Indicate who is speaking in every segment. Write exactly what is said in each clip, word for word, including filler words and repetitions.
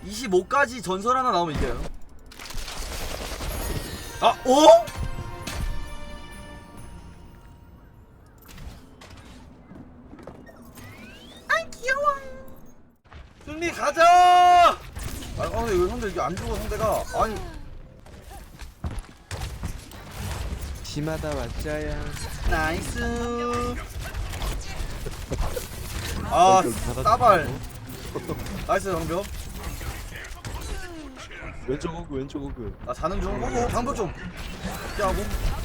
Speaker 1: 이십오까지 전설 하나 나오면 이겨요. 아, 어? 아, 귀여워. 승리 가자. 아, 근데 왜 형들 이게 안 죽어 상대가? 아니.
Speaker 2: 심하다 왔자야.
Speaker 1: 나이스. 아, 따발. 나이스 방벽.
Speaker 2: 왼쪽 호그 왼쪽 호그.
Speaker 1: 나 자는 중. 오, 방벽 좀. 피하고.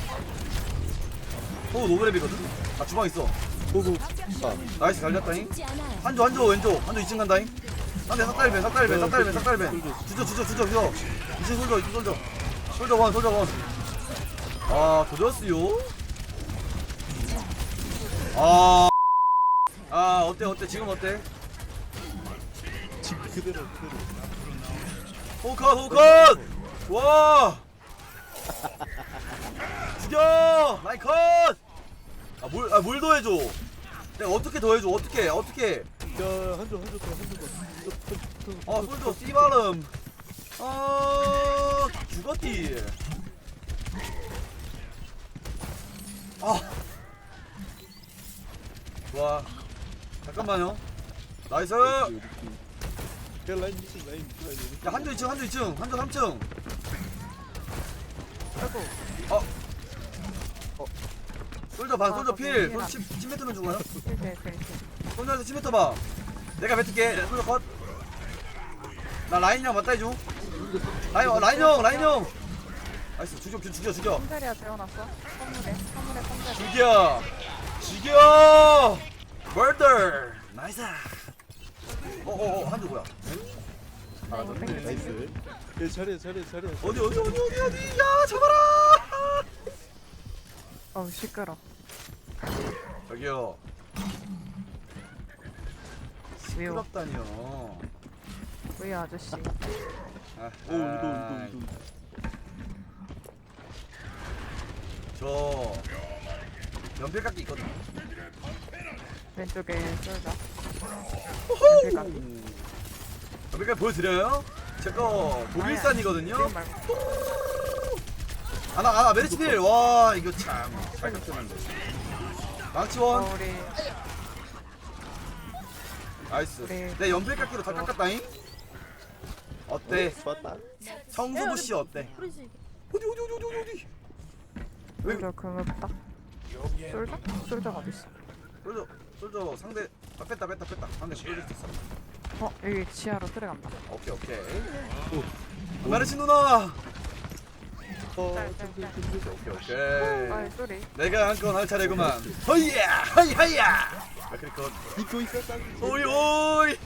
Speaker 1: 오, 노그랩이거든. 아, 주방 있어.
Speaker 2: 호그. 아
Speaker 1: 나이스 갈렸다잉. 한조 한조 왼쪽. 한조 이 층 간다잉. 한대 삭달벤 삭달벤 삭달벤 삭달벤. 주저 주저 주저 주저. 이 층 솔져 이 층 솔져. 솔져 원 솔져 원. 아, 도졌어요. 아. 아, 어때 어때 지금 어때?
Speaker 2: 지금 그대로 그대로.
Speaker 1: 호컷 호컷. 와. 죽여. 라인 컷. 아, 뭘, 아, 뭘 더해줘. 내가 어떻게 더해줘 어떻게 어떻게.
Speaker 2: 야 한조 한조 더 한조 더.
Speaker 1: 아, 솔져 씨발음. 아, 죽었디. 아. 좋아. 잠깐만요. 나이스. 야,
Speaker 2: 야 라인 미친 라인 라인.
Speaker 1: 한조 이 층, 한조 이 층, 한조 삼 층.
Speaker 3: 아이고.
Speaker 1: 어. 어. 솔져 반,
Speaker 3: 아,
Speaker 1: 솔져
Speaker 3: 거기
Speaker 1: 필.
Speaker 3: 위에다.
Speaker 1: 솔져 십 미터면 죽어요.
Speaker 3: 이렇게 이렇게 이렇게.
Speaker 1: 솔져에서 십 미터 봐. 내가 뱉을게. 솔져 컷. 나 라인 형 맞다 해줘. 라인, 어, 라인 형, 라인 형. 나이스. 죽여, 죽여, 죽여.
Speaker 3: 컴자리야 재워놨어. 선물에 선물에 컴자리.
Speaker 1: 죽여. 죽여. 머더. 나이스. 어어어, 한조 뭐야? 아, 너
Speaker 3: 땡겨, 땡겨.
Speaker 2: 나이스. 야 잘해 잘해 잘해.
Speaker 1: 어디 어디 어디 어디 어디. 야, 잡아라.
Speaker 3: 어우 시끄러.
Speaker 1: 저기요.
Speaker 3: 왜요?
Speaker 1: 시끄럽다니요.
Speaker 3: 왜 아저씨?
Speaker 1: 아,
Speaker 2: 오 유도 유도 유도.
Speaker 1: 저 연필깎이 있거든.
Speaker 3: 왼쪽에 쏠자.
Speaker 1: 호호. 연필깎이 보여드려요? 제거 독일산이거든요.
Speaker 3: 지금 말고.
Speaker 1: 아나 아나 메리치필. 와, 이거 참잘 겼었는데. 망치원.
Speaker 3: 어, 우리
Speaker 1: 나이스.
Speaker 3: 그래.
Speaker 1: 내 연필깎이로 다 깎았다잉. 어때?
Speaker 2: 좋았다.
Speaker 1: 성수부 씨 어때? 어디 어디 어디 어디 어디 어디? 왜?
Speaker 3: 쏠자 금없다. 쏠자? 쏠자가 어디 있어?
Speaker 1: 솔저 솔저 상대. 아, 뺐다 뺐다 뺐다. 상대 보여줄 수 있어.
Speaker 3: 어 여기 지하로 들어간다.
Speaker 1: 오케이 오케이.
Speaker 2: 오.
Speaker 1: 메르시 누나.
Speaker 2: 어
Speaker 3: 짤, 짤, 짤.
Speaker 1: 오케이 오케이.
Speaker 3: 아이 쏘리.
Speaker 1: 내가 한 건 할 차례구만. 허이야 허이하야. 아, 그리고
Speaker 2: 믿고 있었다.
Speaker 1: 오이 오이.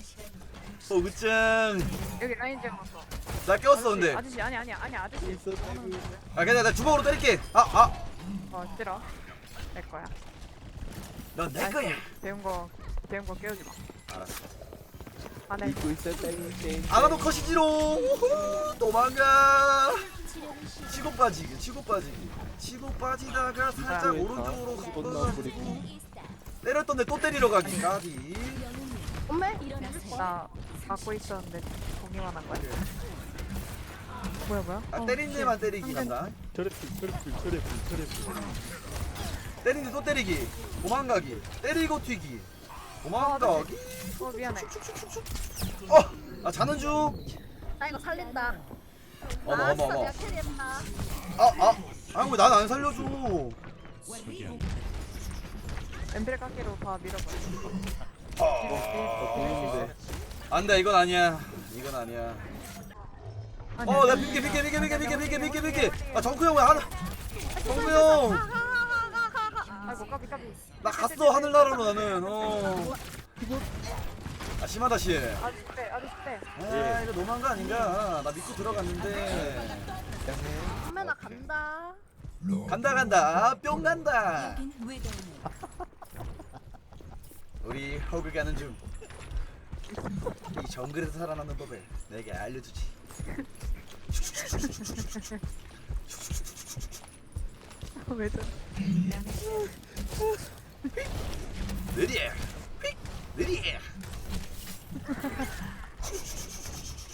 Speaker 1: 호그짱.
Speaker 3: 여기 라인 재워놨어.
Speaker 1: 나 꼈어 근데.
Speaker 3: 아저씨 아니 아니 아니 아저씨.
Speaker 2: 있었다.
Speaker 1: 아, 그냥 나 주먹으로 때릴게. 아 아.
Speaker 3: 어 찌러. 내 거야.
Speaker 1: 넌 내
Speaker 3: 나이스.
Speaker 1: 거야.
Speaker 3: 배운 거 배운 거 깨우지 마.
Speaker 1: 알았어.
Speaker 3: 안해.
Speaker 2: 믿고 있었다.
Speaker 1: 아가도 컷이지롱. 우후, 도망가. 치고 빠지기 치고 빠지기. 치고 빠지다가 살짝
Speaker 3: 아,
Speaker 1: 오른쪽으로
Speaker 2: 존나
Speaker 1: 흩어져.
Speaker 2: 부리고.
Speaker 1: 때렸던데 또 때리러 가기. 까비.
Speaker 3: 엄매? 나 갖고 있었는데 공유만 한 거야. 뭐야 뭐야?
Speaker 1: 아,
Speaker 3: 어,
Speaker 1: 때린 데만 때리기
Speaker 3: 상대-
Speaker 1: 간다.
Speaker 2: 저래필 저래필 저래필 저래필.
Speaker 1: 때린 데또 때리기. 도망가기. 때리고 튀기. 도망가기.
Speaker 3: 어 미안해.
Speaker 1: 어! 나 자는 중.
Speaker 4: 나 이거 살린다.
Speaker 1: 어머
Speaker 4: 아,
Speaker 1: 어머
Speaker 4: 진짜
Speaker 1: 어머.
Speaker 4: 내가 캐리했다.
Speaker 1: 아 아. 아니 왜 난 안 살려줘.
Speaker 3: 엠필 깎기로 다 밀어버려.
Speaker 1: 아. 안돼 이건 아니야. 이건 아니야.
Speaker 3: 아니,
Speaker 1: 어, 나
Speaker 3: 아니.
Speaker 1: 비게 비게 비게 비게 비게 비게 비게 비게. 아, 정크 형 왜 하나? 정크 형.
Speaker 3: 아이고 까비 까비.
Speaker 1: 나 갔어 하늘나라로 나는. 어. 아, 심하다 씨.
Speaker 3: 아저씨 빼 아저씨 빼.
Speaker 1: 아, 이거 너무한 거 아닌가? 나 믿고 들어갔는데.
Speaker 4: 선배 나 간다.
Speaker 1: 간다 간다. 뿅 간다. 우리 허그 가는 중. 이 정글에서 살아남는 법을 내게 알려주지.
Speaker 3: 왜 저래?
Speaker 1: 느리해. 느리해.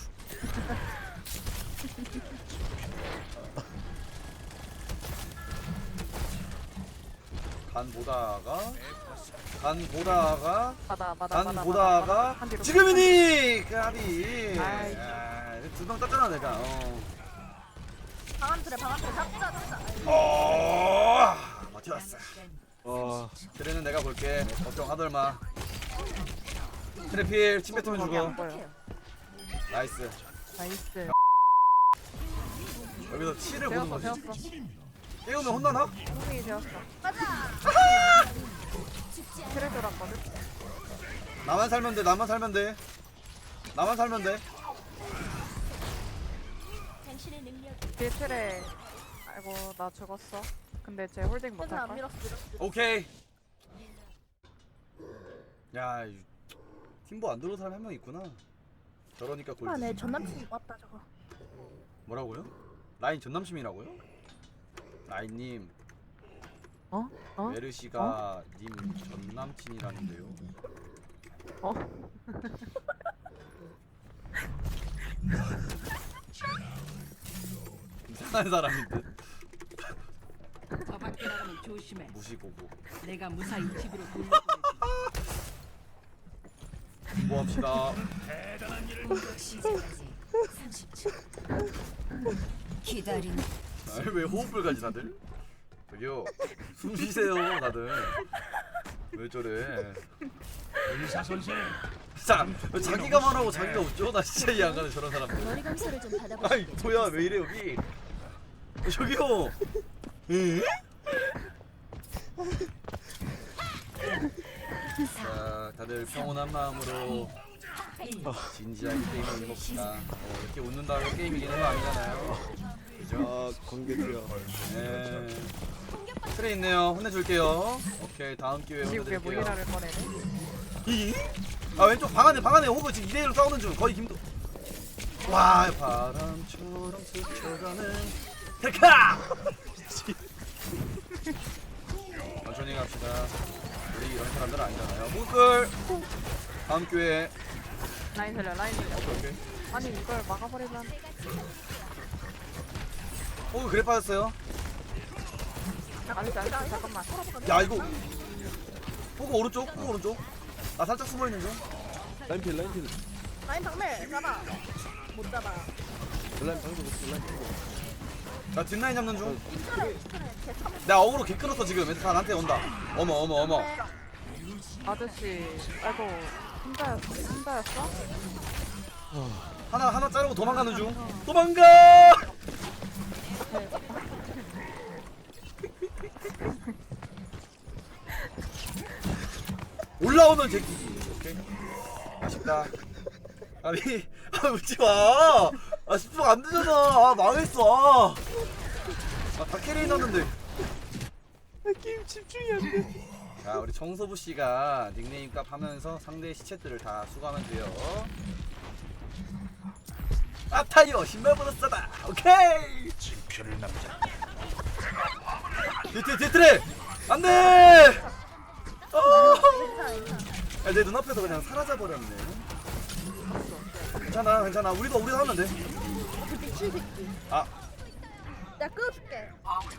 Speaker 1: 간 보다가 간 보다가
Speaker 3: 받아 받아
Speaker 1: 간
Speaker 3: 받아
Speaker 1: 보다가
Speaker 3: 한 뒤로
Speaker 1: 지금이니 까비.
Speaker 3: 아이.
Speaker 1: 두명 땄잖아 내가. 어.
Speaker 4: 방안 틀에 방안 틀에 잡자 잡자.
Speaker 1: 어. 맞췄어.
Speaker 2: 아
Speaker 1: 트레는 내가 볼게. 걱정하덜 마. 트레필 침 뱉으면
Speaker 3: 거기
Speaker 1: 죽어.
Speaker 3: 안 보여.
Speaker 1: 나이스.
Speaker 3: 나이스.
Speaker 1: 여기서 치를 보는
Speaker 3: 되었어
Speaker 1: 거지.
Speaker 3: 되었어.
Speaker 1: 깨우면 혼나나?
Speaker 3: 분명히 되었어.
Speaker 4: 가자.
Speaker 3: 트레 돌았거든.
Speaker 1: 나만 살면 돼. 나만 살면 돼. 나만 살면 돼.
Speaker 3: 뒤에 트레. 아이고 나 죽었어. 근데 쟤 홀딩
Speaker 4: 괜찮아
Speaker 3: 못할걸?
Speaker 4: 밀었어 밀었어.
Speaker 1: 오케이. 야, 이 팀보 안 들어온 사람 한 명 있구나. 저러니까 골.
Speaker 4: 아내 전남친 왔다 저거.
Speaker 1: 뭐라고요? 라인 전남심이라고요? 라인님,
Speaker 3: 어? 어?
Speaker 1: 메르시가 님 전남친이라는데요.
Speaker 3: 어?
Speaker 1: 이상한 사람인 듯.
Speaker 5: 저 밖에 나가면 조심해.
Speaker 1: 무시고고.
Speaker 5: 내가 무사히 집으로 돌려보내지.
Speaker 1: 공부합시다.
Speaker 6: 기다린
Speaker 1: 아니, 왜 호흡을 가지 다들? 저기요, 숨 쉬세요 다들. 왜 저래?
Speaker 7: 의사 선생,
Speaker 1: 자, 왜 자기가 말하고 자기가 웃죠? 나 진짜 이해 안 가네 저런 사람들.
Speaker 6: 머리 감사를 좀
Speaker 1: 아이
Speaker 6: 받아보시겠어요?
Speaker 1: 뭐야 왜 이래 여기? 저기요. 에? 자, 다들 평온한 마음으로 진지하게 게임을 해봅시다. 어, 이렇게 웃는다고 게임이 이기는 거 아니잖아요. 그죠?
Speaker 2: 아, 관계주야.
Speaker 1: 네. 트레 있네요. 혼내줄게요. 오케이, 다음 기회에
Speaker 3: 지금 왜
Speaker 1: 혼내드릴게요.
Speaker 3: 모이라를 꺼내네?
Speaker 1: 이? 아 왼쪽 방 안에 방 안에 호그 지금 이 대 일로 싸우는 중. 거의 김도. 와 바람처럼 스쳐가는 데카. 천천히 갑시다. 우리 이런 사람들 아니잖아요. 무클. 다음 기회에.
Speaker 3: 라인 살려 라인 살려.
Speaker 1: 오케이 오케이.
Speaker 3: 아니 이걸 막아버리면
Speaker 1: 호그 그래 빠졌어요.
Speaker 3: 아니지 아니지 잠깐만.
Speaker 1: 야 이거. 호그 오른쪽. 호그 오른쪽. 나 살짝 숨어 있는 중.
Speaker 2: 라인필 라인필.
Speaker 4: 라인 방매 잡아. 못 잡아.
Speaker 2: 라인 방금 없어 라인 방금.
Speaker 1: 나 뒷라인 잡는 중.
Speaker 4: 그래 그래 개 참.
Speaker 1: 내가 어그로 개 끊었어 지금. 애들 나한테 온다. 어머 어머 어머.
Speaker 3: 아저씨 아이고 혼자였어? 혼자였어?
Speaker 1: 하나 하나 자르고 도망가는 중. 도망가. 올라오면 제끼기. 오케이. 아쉽다. 아니, 아 웃지 마. 아 십 분 안 되잖아. 아 망했어. 아, 다 캐리 넣었는데.
Speaker 2: 게임 집중이 안 돼.
Speaker 1: 자, 우리 정소부 씨가 닉네임 값 하면서 상대의 시체들을 다 수거하면 돼요. 아 타이어 신발보다 싸다. 오케이.
Speaker 7: 진표를 남자.
Speaker 1: 뒤트레 뒤트레 안돼. 어.
Speaker 4: 괜찮아 괜찮아.
Speaker 1: 야, 내 눈앞에서 그냥 사라져 버렸네. 괜찮아 괜찮아. 우리도 우리도 하면 돼.
Speaker 4: 그 미친 새끼.
Speaker 1: 아
Speaker 4: 내가 끊어줄게.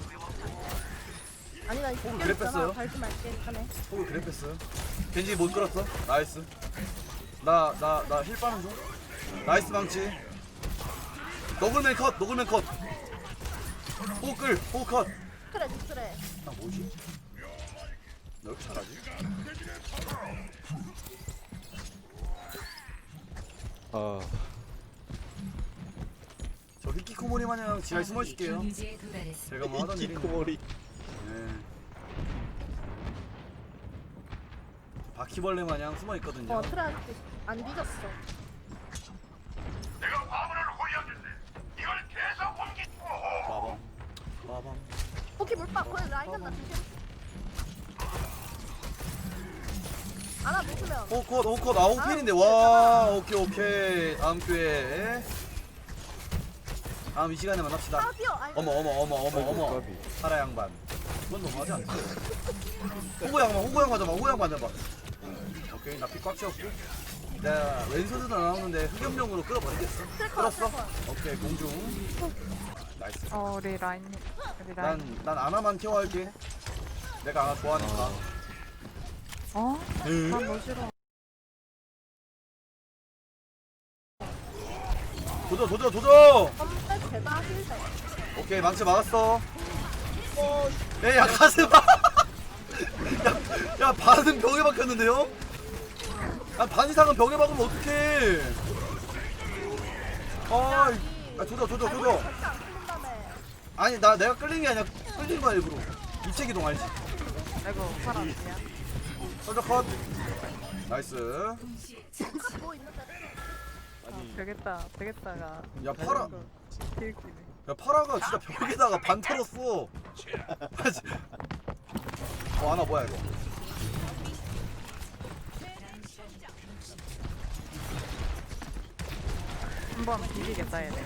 Speaker 4: 아니 나 이거
Speaker 1: 그래 뺐어요?
Speaker 4: 달지 말게. 하네.
Speaker 1: 호그 그래 뺐어요. 겐지 못 끌었어. 나이스. 나 나 나 힐 빠는 중. 나이스 망치. 너굴맨 컷 너굴맨 컷. 호그 끌 호그 컷.
Speaker 4: 그래 그래.
Speaker 1: 아 뭐지? 너 이렇게 잘하지?
Speaker 2: 아,
Speaker 1: 저 히키코모리 마냥 지하에 숨어 있을게요.
Speaker 6: 경지에 도달했습니다.
Speaker 1: 제가 뭐 하던 일인데.
Speaker 2: 이키코머리.
Speaker 1: 네. 바퀴벌레 마냥 숨어 있거든요.
Speaker 4: 어 트라 안 뒤졌어.
Speaker 7: 내가 화물을 호위하겠네. 이걸 계속 옮기.
Speaker 1: 빠밤 빠밤.
Speaker 4: 포키 물박 거기 라인 간다 조심. 하나 놓으면.
Speaker 1: 오컷 오컷 아홉 핀인데 와 오케이 오케이 다음 기회에 다음 이 시간에 만납시다.
Speaker 4: 아 뛰어. 아이고.
Speaker 1: 어머 어머 어머 어머 어머
Speaker 2: 까비.
Speaker 1: 파라 양반 그건 너무하지 않지? 호구 양반 호구 양반 잡아 호구 양반 잡아. 오케이 나 피 꽉 채웠고 내가 왼손으로 나오는데 흑염룡으로 끌어버리겠어. 끌었어? 오케이 공중 나이스.
Speaker 3: 어 우리 라인 우리 라인
Speaker 1: 난 난 아나만 케어할게. 내가 아나 좋아하니까.
Speaker 3: 어?
Speaker 1: 응?
Speaker 3: 난 너 싫어.
Speaker 1: 조져 조져 조져.
Speaker 4: 컴백 제가 힐백.
Speaker 1: 오케이 망치 막았어. 에야 가슴아. 야, 야 반은 벽에 박혔는데요? 아, 반 이상은 벽에 박으면 어떡해. 아, 야, 조져 조져 조져.
Speaker 4: 절대 안 풀린다며.
Speaker 1: 아니 나 내가 끌린 게 아니라 끌린 거야 일부러. 입체 기동 알지?
Speaker 3: 아이고 파라 아니야.
Speaker 1: soldier 컷. 나이스.
Speaker 4: 뭐 있는데?
Speaker 2: 아니
Speaker 3: 되겠다 되겠다가.
Speaker 1: 야 파라.
Speaker 3: 개웃기네.
Speaker 1: 야 파라가 진짜 벽에다가 반 털었어. 어 하나 뭐야 이거?
Speaker 3: 한번 비비겠다 얘네.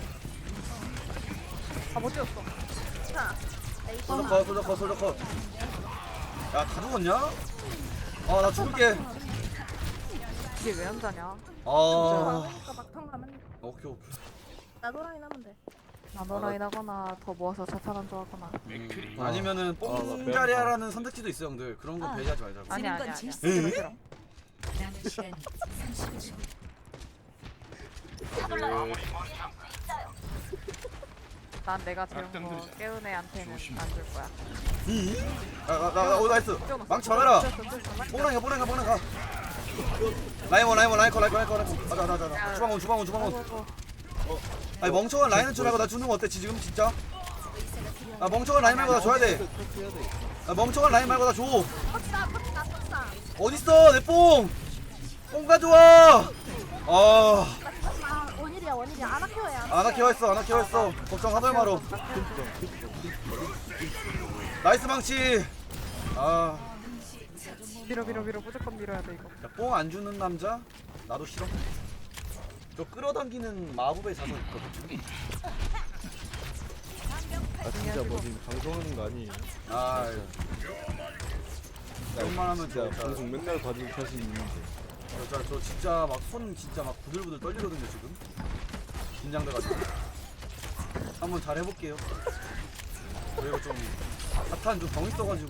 Speaker 3: 아못 뛰었어.
Speaker 4: 자, 에이
Speaker 1: soldier 컷, soldier 컷, soldier 컷. 야 다 죽었냐? 아 나 죽을게.
Speaker 3: 이게 왜 안 자냐?
Speaker 1: 아
Speaker 4: 그러니까 막상 가면
Speaker 1: 오케이 오케이.
Speaker 4: 나도 라인 하면 돼.
Speaker 3: 나노라인 하거나 더 모아서 자탄한 좋아하거나.
Speaker 7: 맥크리
Speaker 1: 아니면은
Speaker 2: 아, 나
Speaker 1: 뽕자리아라는 선택지도 있어 형들. 그런 건 배제하지 말자고.
Speaker 3: 아니야
Speaker 6: 건
Speaker 3: 아니야
Speaker 6: 질
Speaker 3: 아니야.
Speaker 6: 수
Speaker 3: 싫어 싫어.
Speaker 6: 남은 시간 삼십 초.
Speaker 3: 난 내가 재운 거 깨운 애한테는 안 줄 거야.
Speaker 1: 이? 아나나오 나이스. 망치 막아라. 뽕랑이가 뽕랑이가 뽕랑이가. 라이먼 라이먼 라이커 라이커 라이커 라이커. 가자 가자 가자. 주방원 주방원 주방원. 아니 멍청한 라인은 줄 알고 나 주는 거 어때 지금 진짜? 아 멍청한 라인 말고 나 줘야 돼.
Speaker 2: 해야 돼.
Speaker 1: 아 멍청한 라인 말고 나 줘.
Speaker 4: 컷다, 컷다, 컷다.
Speaker 1: 어딨어 내 뽕. 뽕 가져와. 아
Speaker 4: 아, 원일이야, 원일이야. 아나 케어야.
Speaker 1: 아나 케어했어 아나 케어했어. 걱정 하덜 마로. 나이스 망치. 아.
Speaker 3: 밀어 밀어 밀어 무조건 밀어야 돼 이거.
Speaker 1: 뽕 안 주는 남자? 나도 싫어. 저 끌어당기는 마법의 자석 있거든.
Speaker 2: 아 진짜 뭐 지금 방송하는 거 아니에요?
Speaker 1: 아, 그런만 하면
Speaker 2: 진짜
Speaker 1: 진짜
Speaker 2: 방송 맨날 봐줄 자신 있는데.
Speaker 1: 저, 저, 저 진짜 막 손 진짜 막 부들부들 떨리거든요 지금. 긴장돼가지고. 한번 잘 해볼게요. 그리고 좀 사탄 좀 병 있어가지고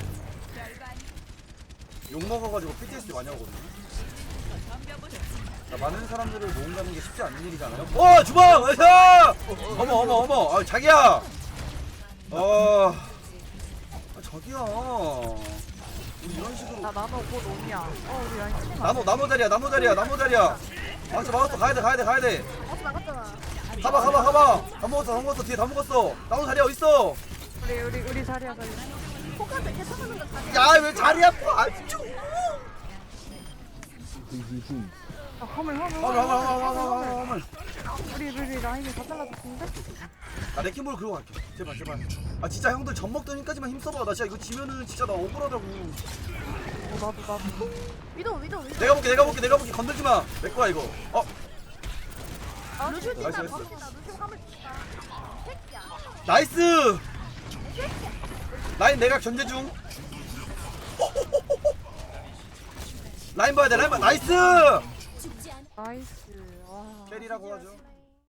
Speaker 1: 욕 먹어가지고 피티에스디 많이 하거든요. 자, 많은 사람들을 모은다는 게 쉽지 않은 일이잖아요. 어 주방! 으쌰! 어머 어머 어머 아 자기야! 어 아, 자기야 우리 이런 식으로
Speaker 3: 나 나노 곧 오냐. 어 우리 라인 치마.
Speaker 1: 나노 나노 자리야 나노 자리야 나노 자리야. 망치 막았어 가야돼 가야돼 가야돼.
Speaker 4: 어서 나갔잖아.
Speaker 1: 가봐 가봐 가봐. 다 먹었어 다 먹었어 뒤에 다 먹었어. 나노 자리야 어딨어?
Speaker 3: 우리 우리 우리 자리야 자리.
Speaker 4: 포카한테 괜찮은 거 자기.
Speaker 1: 야 왜 자리 아파 아주.
Speaker 3: 아 화물 화물
Speaker 1: 화물 화물 화물 화물 화물 화물.
Speaker 3: 우리 우리 라인이 다 잘라줬는데?
Speaker 1: 나 레킹볼 그러고 갈게 제발 제발. 아 진짜 형들 젖 먹던 힘까지만 힘써봐. 나 진짜 이거 지면은 진짜 나 억울하다고.
Speaker 3: 어 나도 나도.
Speaker 4: 위도, 위도, 위도.
Speaker 1: 내가 볼게 내가 볼게 내가 볼게 건들지 마. 내 거야 이거. 어
Speaker 4: 루슈
Speaker 1: 나이스,
Speaker 4: 진짜
Speaker 1: 나이스.
Speaker 4: 범인이다. 루슈 화물 진짜. 새끼야.
Speaker 1: 나이스. 라인 내가 견제 중. 라인 봐야 돼 라인 봐. 나이스.
Speaker 6: 죽지 않아.
Speaker 3: 나이스. 와.
Speaker 1: 캐리라고 하죠.